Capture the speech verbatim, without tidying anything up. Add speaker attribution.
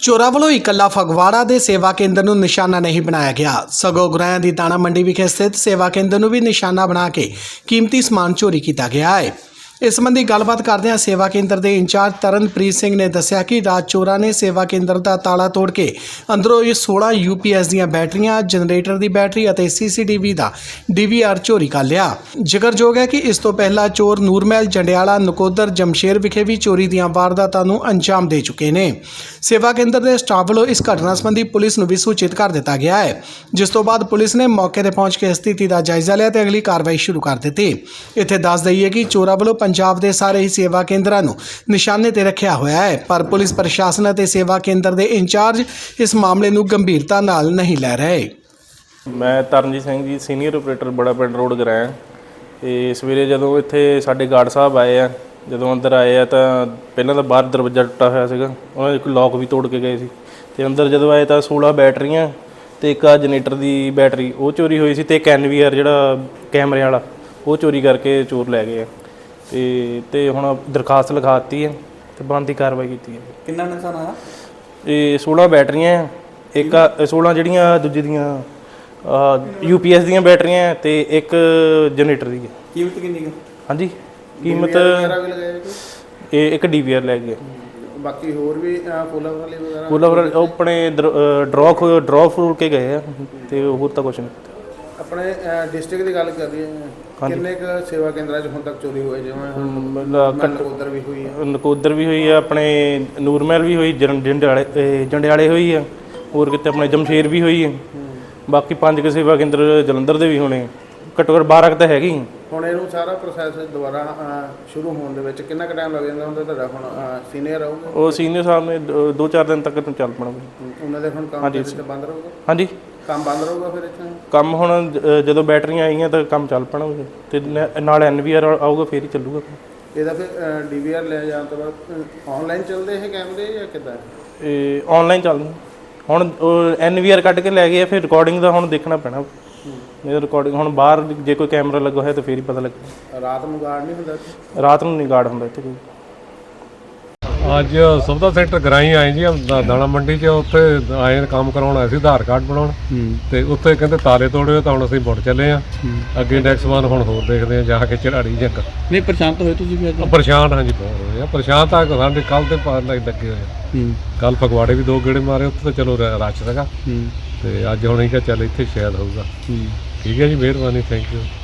Speaker 1: ਚੋਰਾਂ ਵੱਲੋਂ ਇਕੱਲਾ ਫਗਵਾੜਾ ਦੇ ਸੇਵਾ ਕੇਂਦਰ ਨੂੰ ਨਿਸ਼ਾਨਾ ਨਹੀਂ ਬਣਾਇਆ ਗਿਆ, ਸਗੋਂ ਗੁਰਾਇਆਂ ਦੀ ਦਾਣਾ ਮੰਡੀ ਵਿਖੇ ਸਥਿਤ ਸੇਵਾ ਕੇਂਦਰ ਨੂੰ ਵੀ ਨਿਸ਼ਾਨਾ ਬਣਾ ਕੇ ਕੀਮਤੀ ਸਮਾਨ ਚੋਰੀ ਕੀਤਾ ਗਿਆ ਹੈ। ਇਸ ਸੰਬੰਧੀ ਗੱਲਬਾਤ ਕਰਦਿਆਂ ਸੇਵਾ ਕੇਂਦਰ ਦੇ ਇੰਚਾਰਜ ਤਰਨਪ੍ਰੀਤ ਸਿੰਘ ਨੇ ਦੱਸਿਆ ਕਿ ਰਾਤ ਚੋਰਾਂ ਨੇ ਸੇਵਾ ਕੇਂਦਰ ਦਾ ਤਾਲਾ ਤੋੜ ਕੇ ਅੰਦਰੋਂ ਇਹ ਸੋਲਾਂ ਯੂ ਪੀ ਐਸ ਦੀਆਂ ਬੈਟਰੀਆਂ, ਜਨਰੇਟਰ ਦੀ ਬੈਟਰੀ ਅਤੇ ਸੀ ਸੀ ਟੀ ਵੀ ਦਾ ਡੀ ਵੀ ਆਰ ਚੋਰੀ ਕਰ ਲਿਆ। ਜ਼ਿਕਰਯੋਗ ਹੈ ਕਿ ਇਸ ਤੋਂ ਪਹਿਲਾਂ ਚੋਰ ਨੂਰਮਹਿਲ, ਜੰਡਿਆਲਾ, ਨਕੋਦਰ, ਜਮਸ਼ੇਰ ਵਿਖੇ ਵੀ ਚੋਰੀ ਦੀਆਂ ਵਾਰਦਾਤਾਂ ਨੂੰ ਅੰਜਾਮ ਦੇ ਚੁੱਕੇ ਨੇ। ਸੇਵਾ ਕੇਂਦਰ ਦੇ ਸਟਾਫ ਵੱਲੋਂ ਇਸ ਘਟਨਾ ਸੰਬੰਧੀ ਪੁਲਿਸ ਨੂੰ ਵੀ ਸੂਚਿਤ ਕਰ ਦਿੱਤਾ ਗਿਆ ਹੈ, ਜਿਸ ਤੋਂ ਬਾਅਦ ਪੁਲਿਸ ਨੇ ਮੌਕੇ ਤੇ ਪਹੁੰਚ ਕੇ ਸਥਿਤੀ ਦਾ ਜਾਇਜ਼ਾ ਲਿਆ ਤੇ ਅਗਲੀ ਕਾਰਵਾਈ ਸ਼ੁਰੂ ਕਰ ਦਿੱਤੀ। ਇੱਥੇ ਦੱਸ ਦਈਏ ਕਿ ਚੋਰਾਂ ਵੱਲੋਂ ਪੰਜਾਬ ਦੇ ਸਾਰੇ ਹੀ ਸੇਵਾ ਕੇਂਦਰਾਂ ਨੂੰ ਨਿਸ਼ਾਨੇ ਤੇ ਰੱਖਿਆ ਹੋਇਆ ਹੈ, ਪਰ ਪੁਲਿਸ ਪ੍ਰਸ਼ਾਸਨ ਅਤੇ ਸੇਵਾ ਕੇਂਦਰ ਦੇ ਇੰਚਾਰਜ ਇਸ ਮਾਮਲੇ ਨੂੰ ਗੰਭੀਰਤਾ ਨਾਲ ਨਹੀਂ ਲੈ ਰਹੇ।
Speaker 2: ਮੈਂ ਤਰਨਜੀਤ ਸਿੰਘ ਜੀ, ਸੀਨੀਅਰ ਆਪਰੇਟਰ ਬੜਾ ਪਿੰਡ ਰੋਡ ਗਰਾਇਆ। ਤੇ ਸਵੇਰੇ ਜਦੋਂ ਇੱਥੇ ਸਾਡੇ ਗਾਰਡ ਸਾਹਿਬ ਆਏ ਆ, ਜਦੋਂ ਅੰਦਰ ਆਏ ਆ ਤਾਂ ਪਹਿਲਾਂ ਤਾਂ ਬਾਹਰ ਦਰਵਾਜ਼ਾ ਟੁੱਟਾ ਹੋਇਆ ਸੀਗਾ, ਉਹਨਾਂ ਨੇ ਇੱਕ ਲੋਕ ਵੀ ਤੋੜ ਕੇ ਗਏ ਸੀ। ਤੇ ਅੰਦਰ ਜਦੋਂ ਆਏ ਤਾਂ ਸੋਲਾਂ ਬੈਟਰੀਆਂ ਤੇ ਇੱਕ ਆ ਜਨਰੇਟਰ ਦੀ ਬੈਟਰੀ ਉਹ ਚੋਰੀ ਹੋਈ ਸੀ, ਤੇ ਇੱਕ ਐਨ ਵੀ ਆਰ ਜਿਹੜਾ ਕੈਮਰੇ ਵਾਲਾ ਉਹ ਚੋਰੀ ਕਰਕੇ ਚੋਰ ਲੈ ਗਏ ਆ। ਤੇ ਤੇ ਹੁਣ ਦਰਖਾਸਤ ਲਿਖਾ ਦਿੱਤੀ ਹੈ ਤੇ ਬਣਦੀ ਕਾਰਵਾਈ ਕੀਤੀ ਹੈ।
Speaker 3: ਕਿੰਨਾ ਨੁਕਸਾਨ ਆਇਆ?
Speaker 2: ਇਹ ਸੋਲਾਂ ਬੈਟਰੀਆਂ, ਇੱਕ ਸੋਲਾਂ ਜਿਹੜੀਆਂ ਦੂਜੀ ਦੀਆਂ ਯੂ ਪੀ ਐਸ ਦੀਆਂ ਬੈਟਰੀਆਂ ਤੇ ਇੱਕ ਜਨਰੇਟਰ ਦੀ ਹੈ।
Speaker 3: ਕੀਮਤ ਕਿੰਨੀ ਹੈ?
Speaker 2: ਹਾਂਜੀ, ਕੀਮਤ ਇਹ ਇੱਕ ਡੀ ਵੀ ਆਰ ਲੈ ਗਏ।
Speaker 3: ਬਾਕੀ ਹੋਰ ਵੀ ਫੁੱਲਾਂ ਵਾਲੇ ਵਗੈਰਾ
Speaker 2: ਫੁੱਲਾਂ ਉਹ ਆਪਣੇ ਡਰੋ ਡਰੋ ਫਰੂਟ ਕੇ ਗਏ ਆ ਤੇ ਹੋਰ ਤਾਂ ਕੁਛ ਨਹੀਂ।
Speaker 3: ਆਪਣੇ ਡਿਸਟ੍ਰਿਕਟ ਦੀ ਗੱਲ ਕਰ ਰਹੀ ਹੈ, ਕਿੰਨੇ ਕੁ ਸੇਵਾ ਕੇਂਦਰਾਂ 'ਚ ਹੁਣ ਤੱਕ ਚੋਰੀ ਹੋਏ? ਜਿਵੇਂ ਨਕੋਦਰ ਵੀ ਹੋਈ ਹੈ,
Speaker 2: ਨਕੋਦਰ ਵੀ ਹੋਈ ਆ, ਆਪਣੇ ਨੂਰਮਹਿਲ ਵੀ ਹੋਈ, ਜੰਡਿਆਲੇ ਜੰਡਿਆਲੇ ਹੋਈ ਆ, ਹੋਰ ਕਿਤੇ ਆਪਣੇ ਜਮਸ਼ੇਰ ਵੀ ਹੋਈ ਹੈ। ਬਾਕੀ ਪੰਜ ਕੁ ਸੇਵਾ ਕੇਂਦਰ ਜਲੰਧਰ ਦੇ ਵੀ ਹੋਣੇ, ਘੱਟੋ ਘੱਟ ਬਾਰਾਂ ਕੁ ਤਾਂ ਹੈਗੇ ਹੀ।
Speaker 3: ਹੁਣ ਇਹਨੂੰ ਸਾਰਾ ਪ੍ਰੋਸੈਸ ਦੁਬਾਰਾ ਸ਼ੁਰੂ ਹੋਣ ਦੇ ਵਿੱਚ ਕਿੰਨਾ ਕੁ ਟਾਈਮ ਲੱਗ ਜਾਂਦਾ ਹੁੰਦਾ? ਤੁਹਾਡਾ ਹੁਣ ਸੀਨੀਅਰ ਆਊਗਾ,
Speaker 2: ਉਹ ਸੀਨੀਅਰ ਸਾਹਿਬ ਨੇ ਦੋ ਚਾਰ ਦਿਨ ਤੱਕ ਚੱਲ ਪਣਾ।
Speaker 3: ਉਹਨਾਂ ਦੇ ਹੁਣ ਕੰਮ ਬੰਦ ਰਹੂਗਾ?
Speaker 2: ਹਾਂਜੀ,
Speaker 3: ਕੰਮ ਬੰਦ ਰਹੂਗਾ ਫਿਰ ਇੱਥੇ?
Speaker 2: ਕੰਮ ਹੁਣ ਜਦੋਂ ਬੈਟਰੀਆਂ ਆਈਆਂ ਤਾਂ ਕੰਮ ਚੱਲ ਪਣਾ ਤੇ ਨਾਲ ਐਨ ਵੀ ਆਰ ਆਊਗਾ ਫਿਰ ਹੀ ਚੱਲੂਗਾ।
Speaker 3: ਇਹਦਾ ਫਿਰ ਡੀ ਵੀ ਆਰ ਲੈ ਜਾਣ ਤੋਂ ਬਾਅਦ ਆਨਲਾਈਨ ਚੱਲਦੇ ਇਹ ਕੈਮਰੇ ਜਾਂ ਕਿੱਦਾਂ?
Speaker 2: ਇਹ ਆਨਲਾਈਨ ਚੱਲਦੇ ਹੁਣ। ਐਨ ਵੀ ਆਰ ਕੱਢ ਕੇ ਲੈ ਗਏ, ਫਿਰ ਰਿਕਾਰਡਿੰਗ ਦਾ ਹੁਣ ਦੇਖਣਾ ਪੈਣਾ। ਇਹ ਰਿਕਾਰਡਿੰਗ ਹੁਣ ਬਾਹਰ ਜੇ ਕੋਈ ਕੈਮਰਾ ਲੱਗਾ ਹੋਇਆ ਤਾਂ ਫਿਰ ਹੀ ਪਤਾ ਲੱਗਦਾ।
Speaker 3: ਰਾਤ ਨੂੰ ਗਾਰਡ ਨਹੀਂ ਹੁੰਦਾ ਇੱਥੇ?
Speaker 2: ਰਾਤ ਨੂੰ ਨਹੀਂ ਗਾਰਡ ਹੁੰਦਾ ਇੱਥੇ ਕੋਈ।
Speaker 4: ਅੱਜ ਸੌਦਾ ਸੈਂਟਰ ਗਰਾਈ ਆਏ ਜੀ, ਦਾਣਾ ਮੰਡੀ 'ਚ। ਉੱਥੇ ਆਏ ਕੰਮ ਕਰਾਉਣ ਆਏ ਸੀ, ਆਧਾਰ ਕਾਰਡ ਬਣਾਉਣ। ਤੇ ਉੱਥੇ ਕਹਿੰਦੇ ਤਾਲੇ ਤੋੜੇ, ਤਾਂ ਹੁਣ ਅਸੀਂ ਮੁੜ ਚੱਲੇ ਆ ਅੱਗੇ। ਨੈਕਸਟ ਵਾਰ ਹੁਣ ਹੋਰ ਦੇਖਦੇ ਆ ਜਾ ਕੇ ਝੜਾੜੀ ਜੰਗ।
Speaker 3: ਨਹੀਂ ਪਰੇਸ਼ਾਨ ਤਾਂ ਹੋਏ ਤੁਸੀਂ ਵੀ ਅੱਜ?
Speaker 4: ਪਰੇਸ਼ਾਨ ਹਾਂਜੀ ਬਹੁਤ ਹੋਏ ਆ। ਪਰੇਸ਼ਾਨ ਤਾਂ ਸਾਡੇ ਕੱਲ ਤੇ ਪਾਰ ਲੱਗੇ ਹੋਏ। ਕੱਲ ਫਗਵਾੜੇ ਵੀ ਦੋ ਗੇੜੇ ਮਾਰੇ, ਉੱਥੇ ਤਾਂ ਚਲੋ ਰਸ਼ ਸੀਗਾ। ਤੇ ਅੱਜ ਹੁਣ ਇਹ ਕਿਹਾ ਚੱਲ ਇੱਥੇ ਸ਼ਾਇਦ ਹੋਊਗਾ। ਠੀਕ ਹੈ ਜੀ, ਮਿਹਰਬਾਨੀ, ਥੈਂਕ ਯੂ।